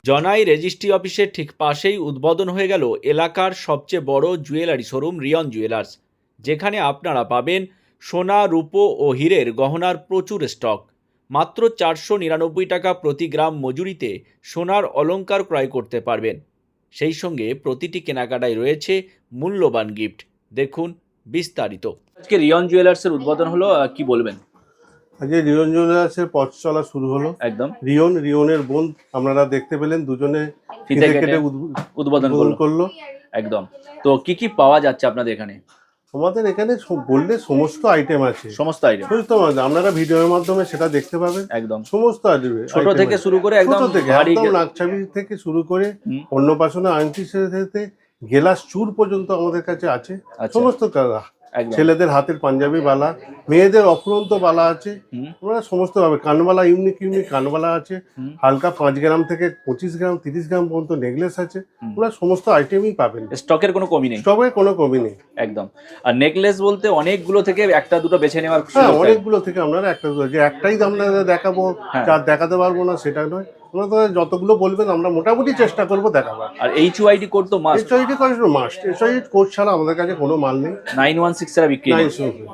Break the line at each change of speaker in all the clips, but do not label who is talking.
জনাই রেজিস্ট্রি অফিসের ঠিক পাশেই উদ্বোধন হয়ে গেল এলাকার সবচেয়ে বড় জুয়েলারি শোরুম রিয়ন জুয়েলার্স, যেখানে আপনারা পাবেন সোনা, রূপো ও হীরের গহনার প্রচুর স্টক। মাত্র 499 টাকা প্রতি গ্রাম মজুরিতে সোনার অলংকার ক্রয় করতে পারবেন। সেই সঙ্গে প্রতিটি কেনাকাটায় রয়েছে মূল্যবান গিফট। দেখুন বিস্তারিত। আজকে রিয়ন জুয়েলার্সের উদ্বোধন হলো, কি বলবেন?
আজকে রিয়ন জুয়েলার্সের পথ চলা শুরু হলো।
একদম
রিয়নের বোন আপনারা দেখতে পেলেন, দুজনে
ফিতে
কেটে
কেটে উদ্বোধন করলো। একদম। তো কি পাওয়া যাচ্ছে আপনাদের এখানে?
আমাদের এখানে বললে সমস্ত আইটেম আছে,
সমস্ত আইটেম
আপনারা ভিডিওর মাধ্যমে সেটা দেখতে পাবেন।
একদম
সমস্ত
ছোট থেকে শুরু করে একদম ভারী
নাকছাবি থেকে শুরু করে অন্নপ্রাশনে আংটি থেকে গেলাস চূড় পর্যন্ত আমাদের কাছে আছে। সমস্ত ছেলেদের হাতের পাঞ্জাবি বালা, মেয়েদের অফুরন্ত বালা আছে। আমরা সমস্ত ভাবে কানবালা, ইউনিক কানবালা আছে। হালকা 5 গ্রাম থেকে 25 গ্রাম 30 গ্রাম পর্যন্ত নেকলেস আছে। আমরা সমস্ত আইটেমই পাবেন।
স্টকের কোনো কমি নেই।
স্টকের কোনো কমি নেই
একদম। আর নেকলেস বলতে অনেকগুলো থেকে একটা দুটো বেছে নেওয়ার।
হ্যাঁ, অনেকগুলো থেকে আপনারা একটা দুটো, যে একটাই আমরা দেখাবো যার দেখাতে পারবো না সেটা নয়। আমরা যতগুলো বলবেন আমরা মোটামুটি চেষ্টা করবো দেখাবার।
আর এইচইউআইডি কোড তো must.
HUID must. HUID code ছাড়া আমাদের কাছে কোনো মাল নেই।
916 ছাড়া বিক্রি নেই।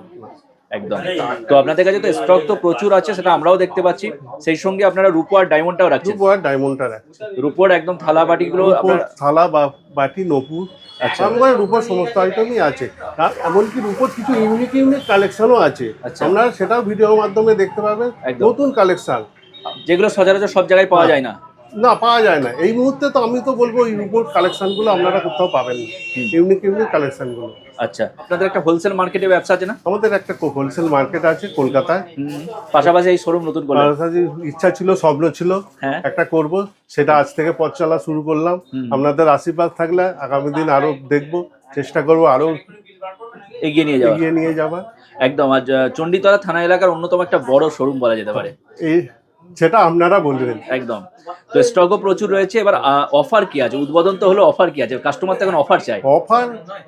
একদম। তো আপনাদের কাছে তো স্টক তো প্রচুর আছে, সেটা আমরাও দেখতে পাচ্ছি। সেই সঙ্গে আপনারা রূপো আর ডায়মন্ডটাও রাখছেন।
রূপো আর ডায়মন্ডটা রাখছেন।
রূপোর একদম থালা বাটিগুলো,
থালা বা বাটি, নপুর, আমার রূপোর সমস্ত আইটেমই আছে। আর এমনকি রূপোর কিছু ইউনিক কালেকশনও আছে। আপনারা সেটাও ভিডিওর মাধ্যমে দেখতে পাবেন। নতুন কালেকশন
যেগুলো সচরাচর সব জায়গায় পাওয়া যায় না।
পাওয়া যায় না এই মুহূর্তে। তো আমি তো বলবো এই রূপোর কালেকশনগুলো আপনারা কোথাও পাবেন না, ইউনিক কালেকশনগুলো।
আচ্ছা, আপনাদের একটা হোলসেল মার্কেটে ব্যবসা আছে না?
আমাদের একটা হোলসেল মার্কেট আছে কলকাতায়।
পাশাপাশি এই শোরুম নতুন করলাম,
ইচ্ছা ছিল, স্বপ্ন ছিল একটা করব, সেটা আজ থেকে পথ চলা শুরু করলাম। আপনাদের আশীর্বাদ থাকলে আগামী দিন আরো দেখবো, চেষ্টা করবো আরো এগিয়ে নিয়ে যাবার।
একদম। আজ চণ্ডীতলা থানা এলাকার অন্যতম একটা বড় শোরুম বলা যেতে পারে,
সেটা আপনারা বলবেন।
একদম। তো স্টকও প্রচুর রয়েছে। এবার অফার কি আছে? উদ্বোধন তো হলো, অফার কি আছে? কাস্টমার তো এখন অফার চাই।
অফার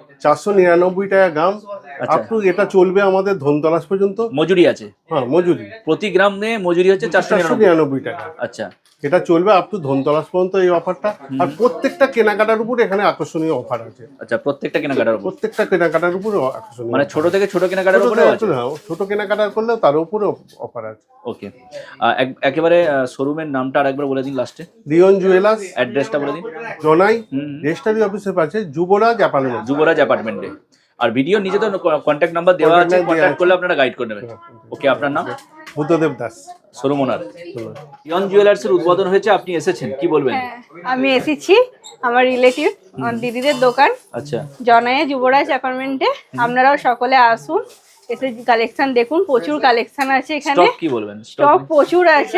499 টাকা গ্রাম। এটা চলবে আমাদের ধনতলাস পর্যন্ত।
মজুরি আছে?
হ্যাঁ, মজুরি
প্রতি গ্রাম নিয়ে মজুরি হচ্ছে
499 টাকা।
আচ্ছা,
এটা চলবে আপ টু ধনতলাস পর্যন্ত এই অফারটা। আর প্রত্যেকটা কেনাকাটার উপর এখানে আকর্ষণীয় অফার আছে।
আচ্ছা, প্রত্যেকটা কেনাকাটার
উপর আকর্ষণীয়,
মানে ছোট থেকে ছোট কেনাকাটার উপরে আছে।
ছোট কেনাকাটা করলে তার উপরে অফার আছে।
ওকে। একেবারে শোরুমের নামটা আরেকবার বলে দিন লাস্টে।
রিয়ন জুয়েলার্স,
অ্যাড্রেসটা বলে দিন।
জনাই রেজিস্ট্রি অফিসের পাশে যুবরাজ
অ্যাপার্টমেন্টে। আর ভিডিও নিচে তো কন্ট্যাক্ট নাম্বার দেওয়া আছে, কন্ট্যাক্ট করলে আপনারা গাইড করে নেবেন। ওকে, আপনার নাম?
Buddhadeb Das,
showroom owner. রিয়ন জুয়েলার্সের উদ্বোধন হয়েছে, আপনি এসেছেন, কি বলবেন?
আমি এসেছি, আমার রিলেটিভ, আমার দিদিদের দোকান।
আচ্ছা,
জনায়ে যুবরাজ অ্যাপার্টমেন্টে। আপনারাও সকলে আসুন, এসে কালেকশন দেখুন। প্রচুর কালেকশন আছে এখানে।
স্টক কি বলবেন?
স্টক প্রচুর আছে।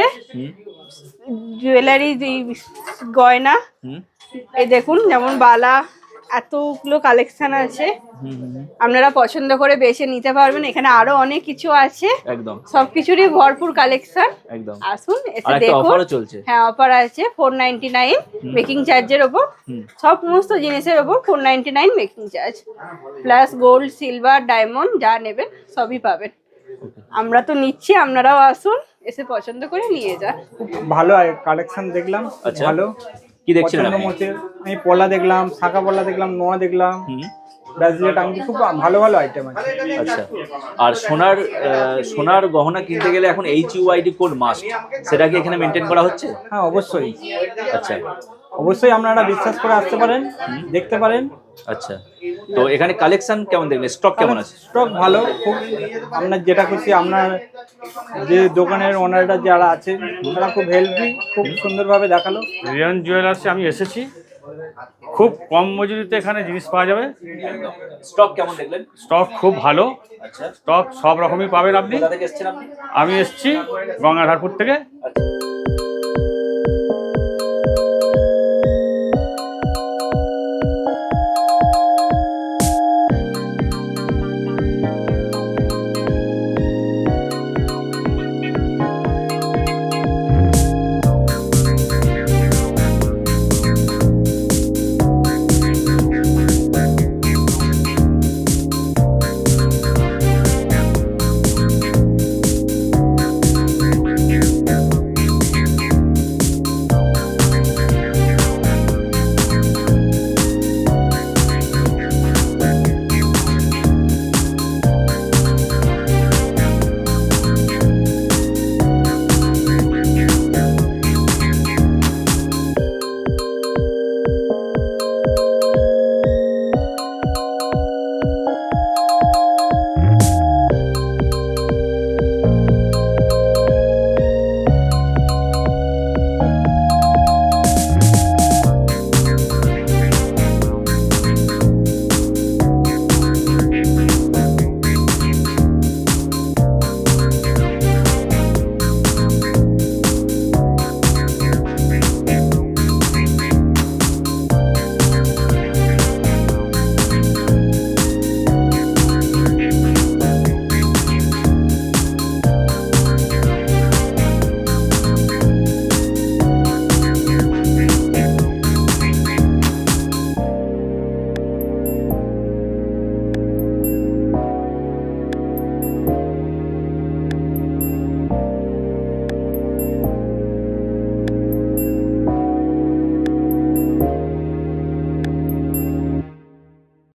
জুয়েলারি, গয়না, এই দেখুন, যেমন বালা, এতগুলো কালেকশন আছে। আপনারা পছন্দ করে বেছে নিতে পারবেন। এখানে আরো অনেক কিছু আছে।
একদম,
সবকিছুরই ভরপুর কালেকশন।
একদম।
আসুন, এসে দেখুন। হ্যাঁ, অফার আছে 499 মেকিং চার্জের ওপর। সমস্ত জিনিসের ওপর 499 making charge, plus gold, silver, diamond যা নেবেন সবই পাবেন। আমরা তো নিচ্ছি, আপনারাও আসুন, এসে পছন্দ করে নিয়ে যান।
ভালো কালেকশন দেখলাম। ভালো।
কি দেখছিলেন?
আমি পলা দেখলাম, শাঁখা পলা দেখলাম, নোয়া দেখলাম, ব্রাজিলেট আংটি, খুব ভালো ভালো আইটেম আছে।
আচ্ছা। আর সোনার গহনা কিনতে গেলে এখন এইচইউআইডি কোড মাস্ট, সেটা কি এখানে মেনটেন করা হচ্ছে?
হ্যাঁ, অবশ্যই।
আচ্ছা,
অবশ্যই আপনারা বিশ্বাস করে আসতে পারেন, দেখতে পারেন।
আচ্ছা। তো এখানে কালেকশন কেমন দেখলেন? স্টক কেমন আছে?
স্টক ভালো, খুব। আপনার যেটা খুশি, আপনার যে দোকানের ওনাররা যারা আছে তারা খুব হেল্পি, খুব সুন্দরভাবে দেখালো।
রিয়ন জুয়েলার্সে আমি এসেছি, খুব কম মজুরিতে এখানে জিনিস পাওয়া যাবে।
স্টক কেমন দেখলেন?
স্টক খুব ভালো।
আচ্ছা,
স্টক সব রকমই পাবেন আপনি।
কোথা থেকে এসেছেন আপনি?
আমি এসেছি গঙ্গাধারপুর থেকে।
আচ্ছা।